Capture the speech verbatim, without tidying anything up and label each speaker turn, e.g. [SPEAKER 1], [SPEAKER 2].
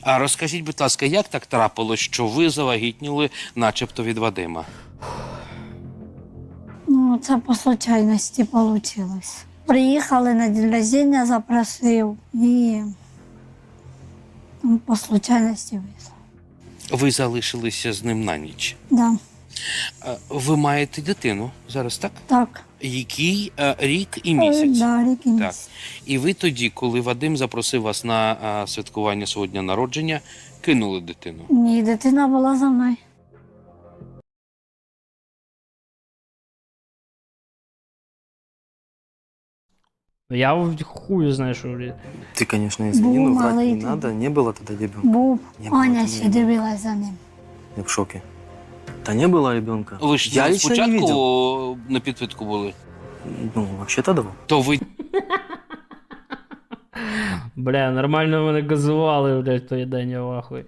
[SPEAKER 1] А розкажіть, будь ласка, як так трапилось, що ви завагітніли начебто від Вадима?
[SPEAKER 2] Ну, це по случайності вийшло. Приїхали на день рождения, запросив і ну, по случайності вийшло.
[SPEAKER 1] Ви залишилися з ним на ніч.
[SPEAKER 2] Да,
[SPEAKER 1] Е, Ви маєте дитину зараз, так?
[SPEAKER 2] так.
[SPEAKER 1] Який е, рік і місяць.
[SPEAKER 2] Да, рік і
[SPEAKER 1] Так.
[SPEAKER 2] місяць.
[SPEAKER 1] І ви тоді, коли Вадим запросив вас на е, святкування свого дня народження, кинули дитину.
[SPEAKER 2] Ні, дитина була за мною.
[SPEAKER 3] Я в хую знаю, що, блядь.
[SPEAKER 4] Ты, конечно, извини,
[SPEAKER 2] Был
[SPEAKER 4] но врать
[SPEAKER 2] малый
[SPEAKER 4] не
[SPEAKER 2] ты.
[SPEAKER 4] надо. Не было тогда ребенка.
[SPEAKER 2] Був,
[SPEAKER 4] Не було
[SPEAKER 2] Аня
[SPEAKER 4] тоді
[SPEAKER 2] ще
[SPEAKER 4] ребенка.
[SPEAKER 2] дивилась за ним.
[SPEAKER 4] Я в шоке. Да не было ребенка.
[SPEAKER 1] Ви ж
[SPEAKER 4] Я лично не видел.
[SPEAKER 1] спочатку на підпитку були.
[SPEAKER 4] Ну, вообще-то да.
[SPEAKER 1] То ви
[SPEAKER 3] Бля, нормально мене газували, блядь, в той день, я в ахуї.